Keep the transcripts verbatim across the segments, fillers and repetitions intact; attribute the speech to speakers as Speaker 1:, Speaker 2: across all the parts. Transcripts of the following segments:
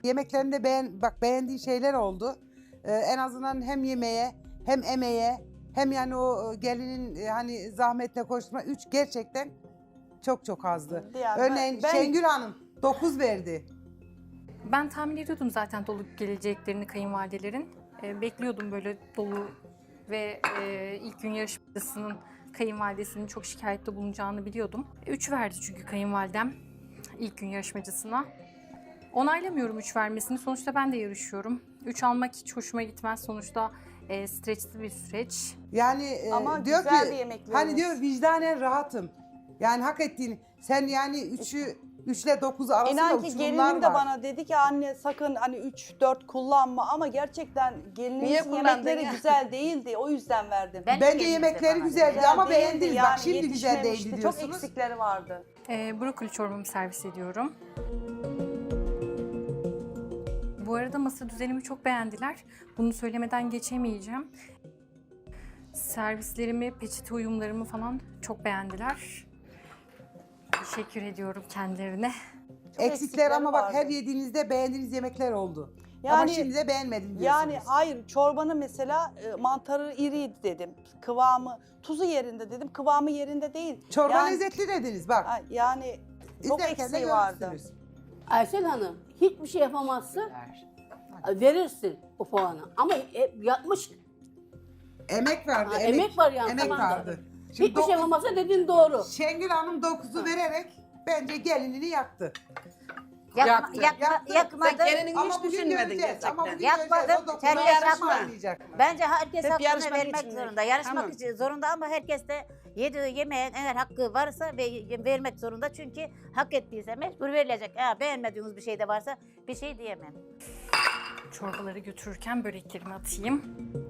Speaker 1: yemeklerinde beğen, bak beğendiği şeyler oldu. Ee, en azından hem yemeğe hem emeğe hem yani o gelinin e, hani zahmetle koşturma. Üç gerçekten çok çok azdı.
Speaker 2: Yani
Speaker 1: Örneğin
Speaker 2: ben-
Speaker 1: Şengül Hanım dokuz verdi.
Speaker 3: Ben tahmin ediyordum zaten dolu geleceklerini kayınvalidelerin. Ee, bekliyordum böyle dolu ve e, ilk gün yarışmasının kayınvalidesinin çok şikayette bulunacağını biliyordum. üç verdi çünkü kayınvalidem ilk gün yarışmacısına. Onaylamıyorum üç vermesini. Sonuçta ben de yarışıyorum. üç almak hiç hoşuma gitmez. Sonuçta e, streçli bir süreç.
Speaker 1: Yani e,
Speaker 2: Ama
Speaker 1: diyor
Speaker 2: güzel
Speaker 1: ki
Speaker 2: bir yemekleriniz.
Speaker 1: hani diyor vicdanen rahatım. Yani hak ettiğini. Sen yani üçü üçle dokuzu arasında
Speaker 2: İnan ki
Speaker 1: uçurumlar
Speaker 2: gelinim de
Speaker 1: var.
Speaker 2: bana dedi ki anne sakın hani üç dört kullanma ama gerçekten
Speaker 4: Niye
Speaker 2: gelininizin
Speaker 4: kullandın
Speaker 2: yemekleri
Speaker 4: ya?
Speaker 2: güzel değildi o yüzden verdim.
Speaker 5: Ben-
Speaker 1: Bence
Speaker 5: Kendisi
Speaker 1: yemekleri
Speaker 5: bana
Speaker 1: güzeldi
Speaker 2: Güzel
Speaker 1: ama
Speaker 2: değildi
Speaker 1: beğendiniz.
Speaker 2: yani,
Speaker 1: Bak şimdi güzel
Speaker 2: yetişmemişti.
Speaker 1: değildi
Speaker 2: Çok
Speaker 1: diyorsunuz.
Speaker 2: eksikleri vardı.
Speaker 3: E, brokoli çorbamı servis ediyorum. Bu arada masa düzenimi çok beğendiler. Bunu söylemeden geçemeyeceğim. Servislerimi, peçete uyumlarımı falan çok beğendiler. Teşekkür ediyorum kendilerine.
Speaker 1: Eksikler
Speaker 2: eksikleri
Speaker 1: ama bak
Speaker 2: vardı.
Speaker 1: her yediğinizde beğendiğiniz yemekler oldu. ama
Speaker 2: Yani-
Speaker 1: şimdi de beğenmedim diyorsunuz.
Speaker 2: Yani hayır çorbanın mesela e, mantarı iriydi dedim. Kıvamı, tuzu yerinde dedim. Kıvamı yerinde değil.
Speaker 1: Çorba
Speaker 2: yani,
Speaker 1: lezzetli dediniz bak.
Speaker 2: Ha, Yani çok
Speaker 1: İzlerken de
Speaker 2: eksiği vardı.
Speaker 1: görürsünüz.
Speaker 6: Aysel Hanım hiçbir şey yapamazsın. Verirsin o puanı. Ama e, yapmış.
Speaker 1: Emek vardı.
Speaker 6: Ha,
Speaker 1: emek,
Speaker 6: emek var yani,
Speaker 1: Emek
Speaker 6: tamam.
Speaker 1: vardı.
Speaker 6: Hiçbir şey
Speaker 1: dokuz-
Speaker 6: yapamazsa dediğin doğru.
Speaker 1: Şengül Hanım dokuzu vererek bence gelinini yaktı.
Speaker 5: Yakma,
Speaker 4: Yaktı.
Speaker 5: yakma,
Speaker 1: Yaktı.
Speaker 5: yakmadı.
Speaker 4: Sen kendini
Speaker 1: Ama
Speaker 4: hiç
Speaker 1: bugün
Speaker 4: düşünmedin
Speaker 1: göreceğiz.
Speaker 4: gerçekten.
Speaker 1: Ama bugün
Speaker 5: Yapmadım.
Speaker 1: göreceğiz. O dokuzu
Speaker 5: Sen
Speaker 1: yarışma
Speaker 5: yarışma.
Speaker 1: oynayacak.
Speaker 5: Bence herkes
Speaker 4: Hep
Speaker 5: hakkını
Speaker 4: yarışmak
Speaker 5: vermek
Speaker 4: için.
Speaker 5: zorunda. Yarışmak
Speaker 4: Tamam.
Speaker 5: için zorunda ama herkes de yediği yemeğin eğer hakkı varsa ve vermek zorunda. Çünkü hak ettiyse mecbur verilecek. Eğer beğenmediğiniz bir şey de varsa bir şey diyemem.
Speaker 3: Çorbaları götürürken böreklerimi atayım.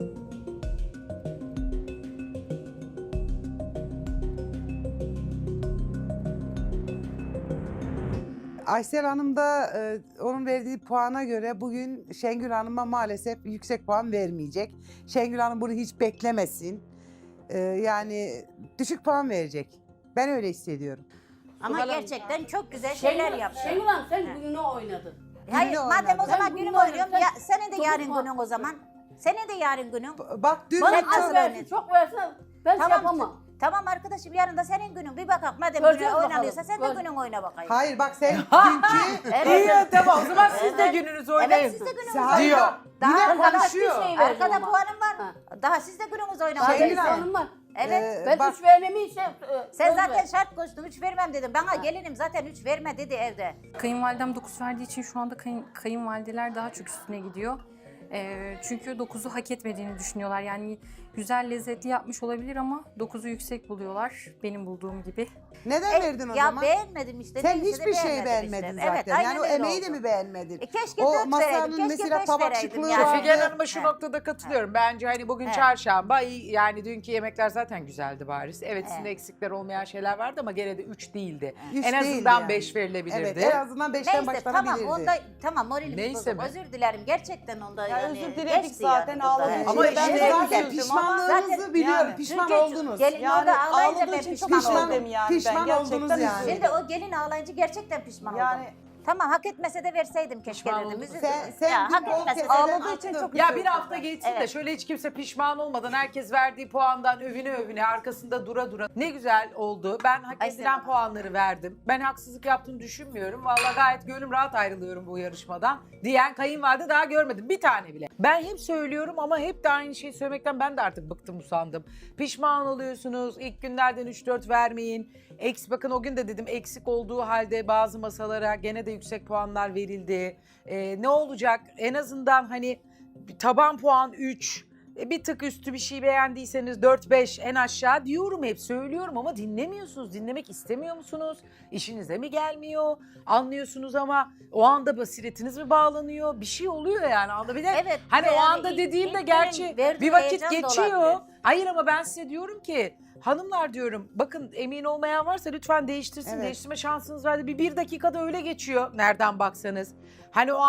Speaker 1: Aysel Hanım da e, onun verdiği puana göre bugün Şengül Hanım'a maalesef yüksek puan vermeyecek. Şengül Hanım bunu hiç beklemesin. E, yani düşük puan verecek. Ben öyle hissediyorum.
Speaker 5: Ama
Speaker 4: Bakalım.
Speaker 5: gerçekten çok güzel şeyler yaptı.
Speaker 6: Şengül Hanım sen
Speaker 5: He.
Speaker 6: gününü oynadın.
Speaker 5: Hayır
Speaker 1: Gününü
Speaker 5: madem
Speaker 1: oynadı.
Speaker 5: o zaman
Speaker 6: Ben
Speaker 5: günüm
Speaker 6: bunu
Speaker 5: oynuyorum.
Speaker 6: oynadım.
Speaker 5: Ya, senin de
Speaker 6: Çok
Speaker 5: yarın
Speaker 6: ufak.
Speaker 5: günün o zaman. Senin de yarın günün.
Speaker 1: B- Bak dün
Speaker 6: Bana
Speaker 5: Sen
Speaker 6: az
Speaker 5: nasıl
Speaker 6: versin,
Speaker 5: oynadın?
Speaker 6: çok versin ben şey
Speaker 5: Tamam.
Speaker 6: yapamam.
Speaker 5: Tamam arkadaşım yarın da senin günün. Bir bakalım madem
Speaker 6: Göreceğiz
Speaker 5: günün oynanıyorsa
Speaker 6: bakalım.
Speaker 5: sen de
Speaker 6: Gör-
Speaker 5: günün oyna bakayım.
Speaker 1: hayır bak sen dünkü
Speaker 5: Evet.
Speaker 4: İyi tamam o zaman siz de
Speaker 5: Evet.
Speaker 4: gününüzü oynayın.
Speaker 5: Evet siz de gününüzü
Speaker 1: Hayır,
Speaker 4: Diyor.
Speaker 1: bak,
Speaker 5: Daha-
Speaker 1: yine
Speaker 5: daha-
Speaker 1: konuşuyor.
Speaker 6: Hiçbir şey verdim
Speaker 5: Arkada
Speaker 6: ama.
Speaker 5: puanım var.
Speaker 6: Ha.
Speaker 5: Daha siz de gününüzü oyna
Speaker 6: Daha
Speaker 1: Şengül
Speaker 5: bakayım.
Speaker 6: benim
Speaker 1: Hanım.
Speaker 6: puanım var.
Speaker 5: Evet.
Speaker 1: Ee,
Speaker 6: Ben
Speaker 1: bak,
Speaker 6: üç vermemi işte. e,
Speaker 5: Sen
Speaker 6: söz
Speaker 5: zaten
Speaker 6: ver.
Speaker 5: şart koştun. Üç vermem dedim. Bana gelinim zaten üç verme dedi evde.
Speaker 3: Kayınvalidem dokuz verdiği için şu anda kayın, kayınvalideler daha çok üstüne gidiyor. Ee, çünkü dokuzu hak etmediğini düşünüyorlar. Yani güzel lezzetli yapmış olabilir ama dokuzu yüksek buluyorlar. Benim bulduğum gibi.
Speaker 1: neden
Speaker 5: E,
Speaker 1: verdin o
Speaker 5: ya
Speaker 1: zaman?
Speaker 5: beğenmedim işte.
Speaker 1: Sen
Speaker 5: neyse de
Speaker 1: hiçbir şey
Speaker 5: beğenmedim
Speaker 1: beğenmedin
Speaker 5: işte.
Speaker 1: zaten.
Speaker 5: Evet, aynen
Speaker 1: yani o
Speaker 5: öyle
Speaker 1: emeği de
Speaker 5: oldu.
Speaker 1: mi beğenmedin?
Speaker 5: E, keşke
Speaker 1: O
Speaker 5: dört
Speaker 1: masanın
Speaker 5: vereydim. Keşke
Speaker 1: mesela
Speaker 5: beş
Speaker 1: tabak
Speaker 5: vereydim
Speaker 1: şıklığı
Speaker 5: yani.
Speaker 1: vardı.
Speaker 4: Figen Hanım'a şu
Speaker 5: He.
Speaker 4: noktada katılıyorum. Bence hani bugün
Speaker 5: He.
Speaker 4: çarşamba iyi, yani dünkü yemekler zaten güzeldi bariz. Evet
Speaker 5: He.
Speaker 4: sizin de eksikler olmayan şeyler vardı ama gene de üç değildi.
Speaker 1: Üç
Speaker 4: en
Speaker 1: değildi
Speaker 4: azından
Speaker 1: yani.
Speaker 4: beş verilebilirdi.
Speaker 1: Evet en azından beşten
Speaker 5: Neyse
Speaker 1: başlanabilirdi.
Speaker 5: tamam onda tamam moralimiz
Speaker 4: Neyse
Speaker 5: bozuk.
Speaker 4: mi?
Speaker 5: Özür dilerim gerçekten onda
Speaker 2: Ya
Speaker 5: yani.
Speaker 2: özür diledik
Speaker 5: geçti
Speaker 2: zaten,
Speaker 5: yani
Speaker 2: ağladığı
Speaker 5: burada.
Speaker 2: için
Speaker 1: Ama
Speaker 2: de ben
Speaker 1: işte
Speaker 2: de
Speaker 1: zaten
Speaker 2: üzüldüm
Speaker 1: pişmanlığınızı
Speaker 5: Zaten-
Speaker 1: biliyorum.
Speaker 2: yani.
Speaker 1: Pişman
Speaker 5: Çünkü
Speaker 1: oldunuz.
Speaker 5: Gelin
Speaker 2: Yani
Speaker 5: orada ağlayınca
Speaker 2: ağladığı
Speaker 5: ben
Speaker 2: için
Speaker 5: pişman
Speaker 2: çok
Speaker 1: Pişman-
Speaker 2: üzüldüm yani
Speaker 1: pişman
Speaker 2: ben
Speaker 1: oldunuz
Speaker 2: gerçekten
Speaker 1: yani.
Speaker 2: üzüldüm.
Speaker 5: Şimdi o gelin ağlayınca gerçekten pişman
Speaker 2: Yani
Speaker 5: oldum. Tamam hak etmese de verseydim keşke
Speaker 4: Pişman
Speaker 5: dedim.
Speaker 4: oldun.
Speaker 5: Üzüldüm.
Speaker 1: Sen- sen
Speaker 5: ya,
Speaker 1: bir
Speaker 5: hak
Speaker 1: bol
Speaker 5: etmese
Speaker 1: kez
Speaker 5: de
Speaker 2: ağladığı için
Speaker 1: attın.
Speaker 2: çok
Speaker 4: Ya
Speaker 2: üzüldüm
Speaker 4: bir hafta
Speaker 2: ben.
Speaker 4: geçsin de
Speaker 5: Evet.
Speaker 4: şöyle hiç kimse pişman olmadan herkes verdiği puandan övüne övüne arkasında dura dura. Ne güzel oldu. Ben hak
Speaker 5: Ay,
Speaker 4: edilen
Speaker 5: Selam.
Speaker 4: puanları verdim. Ben haksızlık yaptığını düşünmüyorum. Vallahi gayet gönlüm rahat ayrılıyorum bu yarışmadan diyen kayınvalide daha görmedim. Bir tane bile. Ben hep söylüyorum ama hep de aynı şeyi söylemekten ben de artık bıktım usandım. Pişman oluyorsunuz. İlk günlerden üç dört vermeyin. Eks, bakın o gün de dedim eksik olduğu halde bazı masalara gene de yüksek puanlar verildi. Ee, ne olacak? En azından hani taban puan üç, e, bir tık üstü bir şey beğendiyseniz dört beş en aşağı diyorum, hep söylüyorum ama dinlemiyorsunuz. Dinlemek istemiyor musunuz? İşinize mi gelmiyor? Anlıyorsunuz ama o anda basiretiniz mi bağlanıyor? Bir şey oluyor yani. Anda bir de
Speaker 5: Evet,
Speaker 4: hani o
Speaker 5: yani
Speaker 4: anda
Speaker 5: ilk-
Speaker 4: dediğimde
Speaker 5: ilk
Speaker 4: gerçi
Speaker 5: günün verdiği
Speaker 4: bir vakit
Speaker 5: heyecan da
Speaker 4: geçiyor.
Speaker 5: olabilir.
Speaker 4: Hayır ama ben size diyorum ki hanımlar diyorum, bakın emin olmayan varsa lütfen değiştirsin.
Speaker 1: Evet.
Speaker 4: Değiştirme şansınız vardı. Bir, bir dakikada öyle geçiyor nereden baksanız. Hani o an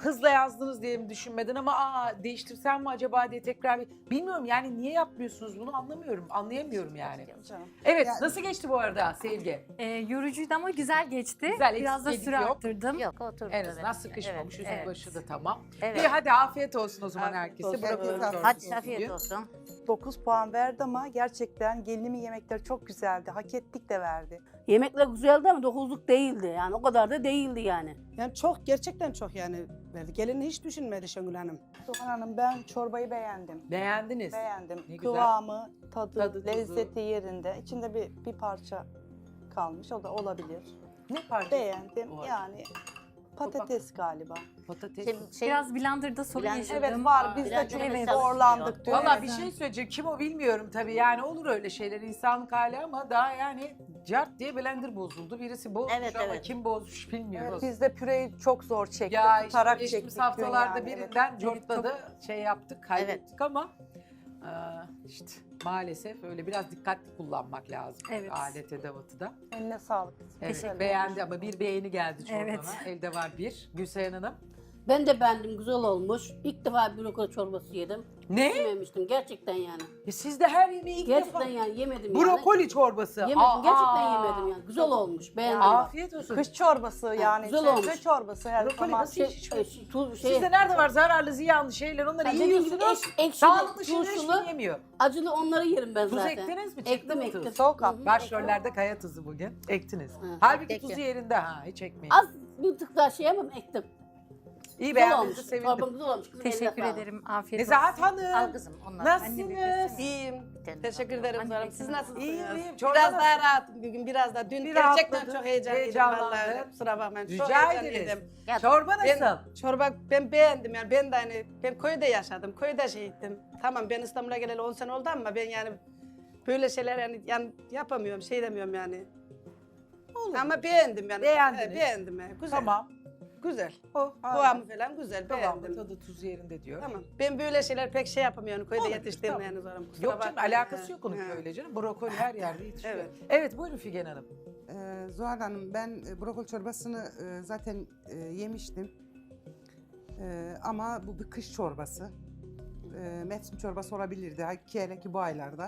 Speaker 4: hızla yazdınız diye mi düşünmedin ama aa değiştirsem mi acaba diye tekrar bir... Bilmiyorum yani niye yapmıyorsunuz bunu anlamıyorum. Anlayamıyorum yani.
Speaker 2: Canım.
Speaker 4: Evet
Speaker 1: Yani-
Speaker 4: nasıl geçti bu arada Sevgi?
Speaker 3: E, yorucuydu ama güzel geçti.
Speaker 4: Güzel,
Speaker 3: Biraz da
Speaker 4: eksik
Speaker 3: süre
Speaker 4: yok.
Speaker 3: arttırdım.
Speaker 5: Yok oturdu.
Speaker 4: En azından
Speaker 5: evet.
Speaker 4: sıkışmamış. Üstü
Speaker 5: Evet.
Speaker 4: başı da tamam.
Speaker 5: Evet.
Speaker 4: İyi hadi afiyet olsun o zaman
Speaker 2: Afiyet
Speaker 4: herkese.
Speaker 2: olsun.
Speaker 4: Bırakıyorum
Speaker 1: Hepinize
Speaker 4: çorbası
Speaker 5: Hadi
Speaker 4: olsun
Speaker 5: afiyet
Speaker 4: diye.
Speaker 5: olsun.
Speaker 2: dokuz puan verdi ama gerçekten gelinimin yemekleri çok güzeldi. Hak ettik de verdi.
Speaker 6: Yemekler güzeldi ama dokuzluk değildi yani o kadar da değildi yani.
Speaker 7: Yani çok gerçekten çok yani verdi. Gelini hiç düşünmedi Şengül Hanım.
Speaker 2: Doğan Hanım ben çorbayı beğendim.
Speaker 4: Beğendiniz.
Speaker 2: Beğendim.
Speaker 4: Ne güzel.
Speaker 2: Kıvamı, tadı,
Speaker 4: Tadı, tuzu.
Speaker 2: lezzeti yerinde. İçinde bir, bir parça kalmış. O da olabilir.
Speaker 4: Ne parça?
Speaker 2: Beğendim.
Speaker 4: O var.
Speaker 2: Yani patates galiba.
Speaker 4: Patates.
Speaker 5: Şimdi şey,
Speaker 3: Biraz blenderda sorun
Speaker 5: Blender-
Speaker 3: yaşadım.
Speaker 2: Evet var. Biz de
Speaker 5: Biraz
Speaker 2: çok
Speaker 5: evet,
Speaker 2: zorlandık. dün.
Speaker 4: Valla bir
Speaker 2: Evet.
Speaker 4: şey söyleyeceğim. Kim o bilmiyorum tabii. Yani olur öyle şeyler insanlık hali ama daha yani cart diye blender bozuldu. Birisi bozmuş
Speaker 5: Evet,
Speaker 4: ama
Speaker 5: evet.
Speaker 4: kim bozmuş bilmiyoruz.
Speaker 2: Biz de püreyi çok zor çektik.
Speaker 4: Ya işte
Speaker 2: tutarak
Speaker 4: geçtiğimiz
Speaker 2: çektik dün
Speaker 4: haftalarda
Speaker 2: yani, evet.
Speaker 4: birinden cortladı şey yaptık kaybettik ama e, işte maalesef öyle biraz dikkatli kullanmak lazım.
Speaker 3: Evet.
Speaker 4: Alet edevatı da.
Speaker 2: Eline sağlık.
Speaker 4: Evet,
Speaker 2: Güzel
Speaker 4: beğendi ama bir beğeni geldi çorbana.
Speaker 3: Evet.
Speaker 4: Elde var bir. Gülseren Hanım.
Speaker 6: Ben de beğendim güzel olmuş. İlk defa brokoli çorbası yedim.
Speaker 4: Ne?
Speaker 6: Yememiştim gerçekten yani.
Speaker 4: E siz de her yemeği ilk
Speaker 6: Gerçekten
Speaker 4: defa.
Speaker 6: yani yemedim
Speaker 4: Brokoli çorbası.
Speaker 6: yani. Yemedim gerçekten yemedim yani. Güzel olmuş beğendim. bak.
Speaker 4: Afiyet olsun.
Speaker 2: Kış çorbası yani.
Speaker 6: güzel
Speaker 2: sebze
Speaker 6: olmuş.
Speaker 2: çorbası her
Speaker 4: Brokoli
Speaker 2: zaman.
Speaker 4: nasıl
Speaker 6: Şey,
Speaker 4: hiç-
Speaker 6: e, şey, tuz, şey,
Speaker 4: Sizde nerede var zararlı, ziyanlı şeyler onları
Speaker 6: Yani dediğim gibi
Speaker 4: yiyorsunuz.
Speaker 6: ek- ekşili,
Speaker 4: Sağlıklı şeyler hiç
Speaker 6: turşulu,
Speaker 4: yemiyor.
Speaker 6: acılı onları yerim ben
Speaker 4: Tuz
Speaker 6: zaten.
Speaker 4: ektiniz mi? Çıktı
Speaker 6: Ektim
Speaker 4: mı
Speaker 6: ektim.
Speaker 4: tuz?
Speaker 2: Soğuk
Speaker 6: Hı
Speaker 2: at.
Speaker 6: hı.
Speaker 4: Başrollerde kaya tuzu bugün. Ektiniz.
Speaker 6: Hı.
Speaker 4: Halbuki
Speaker 5: Ektim.
Speaker 4: tuzu yerinde ha. Hiç ekmeyin.
Speaker 6: Az bir tık daha şey yapayım ektim.
Speaker 4: İyi
Speaker 6: Güzel
Speaker 4: beğendiğinizi
Speaker 6: olmuş.
Speaker 4: sevindim.
Speaker 6: Çorban güzel olmuş. Kızım,
Speaker 3: Teşekkür
Speaker 6: eline sağlık.
Speaker 3: ederim. Afiyet
Speaker 4: Nezahat
Speaker 3: olsun.
Speaker 5: Al
Speaker 4: Hanım.
Speaker 5: kızım onlar.
Speaker 4: Nasılsınız?
Speaker 7: İyiyim.
Speaker 5: Kendine
Speaker 7: Teşekkür
Speaker 5: bak.
Speaker 7: ederim
Speaker 3: Anne
Speaker 7: Zahra Hanım.
Speaker 3: bekle.
Speaker 7: Siz nasılsınız?
Speaker 4: İyiyim, iyiyim.
Speaker 7: Biraz
Speaker 4: Çorba
Speaker 7: daha rahatım bugün. Biraz daha. Dün
Speaker 4: Bir
Speaker 7: gerçekten
Speaker 4: rahatladın,
Speaker 7: çok heyecanlıydım.
Speaker 4: heyecanlandın.
Speaker 7: Vallahi kusura bakmayın. Çok
Speaker 4: Rica
Speaker 7: heyecanlıydım.
Speaker 4: ederiz.
Speaker 5: Ya,
Speaker 4: Çorba nasıl?
Speaker 7: Ben, çorba ben beğendim yani. Ben de hani ben köyde yaşadım. Köyde şey ettim. Tamam ben İstanbul'a geleli on sene oldu ama ben yani böyle şeyler yani, yani yapamıyorum. Şey demiyorum yani.
Speaker 4: Olur.
Speaker 7: Ama beğendim yani.
Speaker 4: Beğendiniz.
Speaker 7: Evet, beğendim yani. Güzel.
Speaker 4: Tamam.
Speaker 7: Güzel.
Speaker 4: O,
Speaker 7: Kıvamı falan güzel.
Speaker 4: Tamam,
Speaker 7: Beğendim.
Speaker 4: tadı tuzu yerinde diyor.
Speaker 7: Tamam. Ben böyle şeyler pek şey yapamıyorum. Köyde
Speaker 4: Olur,
Speaker 7: yetiştiğim
Speaker 4: tamam.
Speaker 7: yani zorum. Kusura
Speaker 4: Yok canım
Speaker 7: bakmayın.
Speaker 4: alakası yok onun
Speaker 7: Ha.
Speaker 4: öyle canım. Brokoli her yerde yetişiyor. Evet.
Speaker 7: Evet.
Speaker 4: buyurun Figen Hanım.
Speaker 1: Ee, Zuhal Hanım ben e, brokoli çorbasını e, zaten e, yemiştim. E, ama bu bir kış çorbası. E, mevsim çorbası olabilirdi. Ha, ki hele ki bu aylarda.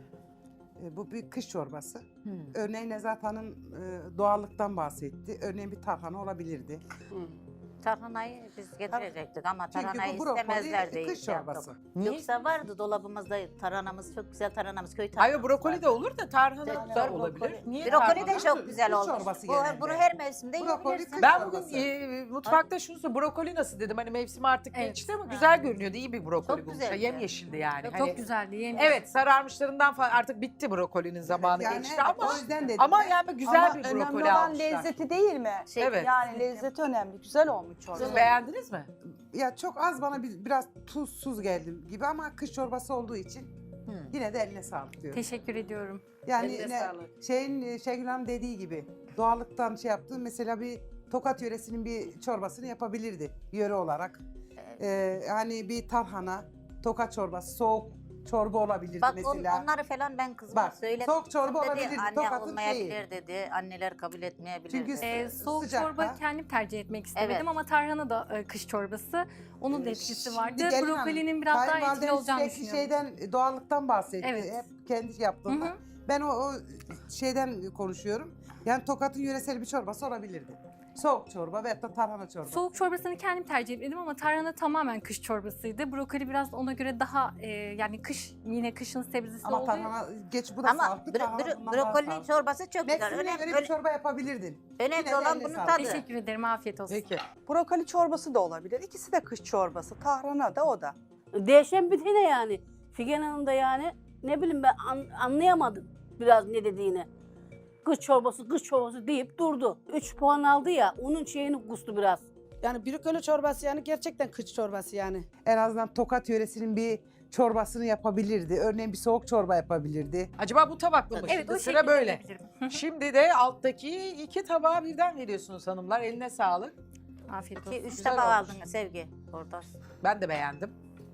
Speaker 1: E, bu bir kış çorbası. Örneğin Nezahat Hanım e, doğallıktan bahsetti. Örneğin bir tarhana olabilirdi.
Speaker 7: Hı.
Speaker 5: Tarhanayı biz getirecektik ama
Speaker 1: Çünkü
Speaker 5: tarhanayı
Speaker 1: bu brokoli
Speaker 5: istemezler diye
Speaker 1: kış
Speaker 5: şey yaptık.
Speaker 1: çorbası.
Speaker 4: Niye?
Speaker 5: Yoksa vardı dolabımızda tarhanamız, çok güzel tarhanamız, köy
Speaker 4: Hayır
Speaker 5: tarhanamız
Speaker 4: brokoli
Speaker 5: vardı.
Speaker 4: de olur da tarhana
Speaker 5: Evet,
Speaker 4: da
Speaker 2: brokoli.
Speaker 4: olabilir. Niye
Speaker 5: Brokoli
Speaker 4: tarhana?
Speaker 5: de çok güzel
Speaker 1: Kış
Speaker 5: olmuş.
Speaker 1: çorbası
Speaker 5: Bu,
Speaker 1: genelde.
Speaker 5: bunu her mevsimde
Speaker 1: Brokoli
Speaker 5: yiyebilirsin.
Speaker 1: kış
Speaker 4: Ben
Speaker 1: çorbası.
Speaker 4: bugün e, mutfakta şunu söyleyeyim. Brokoli nasıl dedim. Hani mevsim artık
Speaker 3: Evet.
Speaker 4: geçti ama
Speaker 5: Ha.
Speaker 4: güzel görünüyordu. İyi bir brokoli
Speaker 5: Çok
Speaker 4: bulmuşlar.
Speaker 5: güzeldi.
Speaker 4: Yemyeşildi yani.
Speaker 3: Çok
Speaker 4: Hani-
Speaker 3: güzeldi. Yemin
Speaker 4: Evet sararmışlarından falan artık bitti brokolinin zamanı
Speaker 1: Yani
Speaker 4: geçti
Speaker 1: evet,
Speaker 4: ama
Speaker 1: o yüzden dedim
Speaker 4: ama
Speaker 1: ben.
Speaker 4: yani güzel
Speaker 2: Ama
Speaker 4: bir
Speaker 2: önemli
Speaker 4: brokoli
Speaker 2: olan
Speaker 4: almışlar.
Speaker 2: lezzeti değil mi?
Speaker 5: Şey,
Speaker 4: Evet.
Speaker 2: Yani lezzeti önemli. Güzel olmuş çorba.
Speaker 4: Siz beğendiniz mi?
Speaker 1: Ya çok az bana bir, biraz tuzsuz geldi gibi ama kış çorbası olduğu için yine de eline sağlık diyorum.
Speaker 3: Teşekkür ediyorum.
Speaker 1: Yani
Speaker 7: Eline
Speaker 1: ne,
Speaker 7: sağlık.
Speaker 1: şeyin e, Şengül Hanım dediği gibi doğallıktan şey yaptı. Mesela bir Tokat yöresinin bir çorbasını yapabilirdi yöre olarak. Ee, hani bir tarhana, Tokat çorbası, soğuk çorba olabilirdi
Speaker 5: Bak on-
Speaker 1: mesela.
Speaker 5: onları falan ben kızıma
Speaker 1: Bak,
Speaker 5: söyledim.
Speaker 1: soğuk çorba
Speaker 5: Dedi,
Speaker 1: olabilirdi,
Speaker 5: Anne
Speaker 1: Tokat'ın
Speaker 5: olmayabilir
Speaker 1: şeyi.
Speaker 5: dedi. Anneler kabul etmeyebilir
Speaker 1: Çünkü
Speaker 5: dedi.
Speaker 3: Ee, soğuk
Speaker 1: Sıcakta.
Speaker 3: çorba kendim tercih etmek istemedim
Speaker 5: Evet.
Speaker 3: ama tarhana da e, kış çorbası. Onun da etkisi
Speaker 1: Şimdi
Speaker 3: vardı.
Speaker 1: gelin hanım,
Speaker 3: Brokolinin biraz daha etkili
Speaker 1: kayınvalideniz
Speaker 3: olacağını
Speaker 1: sürekli
Speaker 3: düşünüyorum.
Speaker 1: şeyden, doğallıktan bahsetti.
Speaker 3: Evet.
Speaker 1: Hep kendi yaptığında.
Speaker 3: Hı hı.
Speaker 1: Ben o, o şeyden konuşuyorum. Yani Tokat'ın yöresel bir çorbası olabilirdi. Soğuk çorba veyahut da tarhana çorbası.
Speaker 3: Soğuk çorbasını kendim tercih etmedim ama tarhana tamamen kış çorbasıydı. Brokoli biraz ona göre daha e, yani kış yine kışın sebzesi
Speaker 1: Ama
Speaker 3: olduğu.
Speaker 1: tarhana geç bu da
Speaker 5: Ama
Speaker 1: sağlıklı.
Speaker 5: bro-
Speaker 1: tarhana
Speaker 5: bro-
Speaker 1: bundan daha
Speaker 5: brokolinin
Speaker 1: sağlıklı.
Speaker 5: çorbası çok güzel.
Speaker 1: Mevsimine
Speaker 5: Önemli,
Speaker 1: göre bir çorba yapabilirdin.
Speaker 5: önemli
Speaker 1: Yine de
Speaker 5: olan
Speaker 1: eline
Speaker 5: bunun
Speaker 1: sağlık.
Speaker 5: tadı.
Speaker 3: Teşekkür ederim. Afiyet olsun.
Speaker 4: Peki.
Speaker 2: Brokoli çorbası da olabilir. İkisi de kış çorbası. Tahrana da o da.
Speaker 6: Değişen bir ne yani. Figen Hanım da yani ne bileyim ben an- anlayamadım biraz ne dediğini. Kış çorbası, kış çorbası deyip durdu. Üç puan aldı ya, onun şeyini kustu biraz.
Speaker 7: Yani brokoli çorbası yani gerçekten kış çorbası yani.
Speaker 1: En azından Tokat yöresinin bir çorbasını yapabilirdi. Örneğin bir soğuk çorba yapabilirdi.
Speaker 4: Acaba bu tabakla mı?
Speaker 3: Evet
Speaker 4: Şimdi
Speaker 3: o
Speaker 4: sıra
Speaker 3: şekilde
Speaker 4: böyle.
Speaker 3: yapabilirim. Hı hı.
Speaker 4: Şimdi de alttaki iki tabağı birden veriyorsunuz hanımlar. Eline sağlık.
Speaker 3: Afiyet
Speaker 5: İki,
Speaker 3: olsun.
Speaker 5: üç
Speaker 4: Güzel
Speaker 5: tabak
Speaker 4: olmuş.
Speaker 5: aldın Sevgi. Orada.
Speaker 4: Ben de beğendim.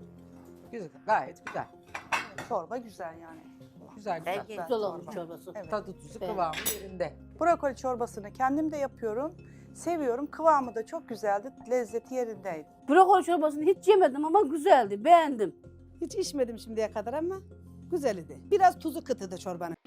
Speaker 4: Güzel, gayet güzel.
Speaker 2: Çorba güzel yani.
Speaker 4: Güzel güzel.
Speaker 5: Belki
Speaker 6: Güzel olmuş çorbası.
Speaker 2: Evet.
Speaker 4: Tadı tuzu
Speaker 6: Beğendim.
Speaker 4: kıvamı yerinde.
Speaker 2: Brokoli çorbasını kendim de yapıyorum. Seviyorum. Kıvamı da çok güzeldi. Lezzeti yerindeydi.
Speaker 6: Brokoli çorbasını hiç yemedim ama güzeldi. Beğendim.
Speaker 7: Hiç içmedim şimdiye kadar ama güzel idi. Biraz tuzu kıtıdı çorbanın.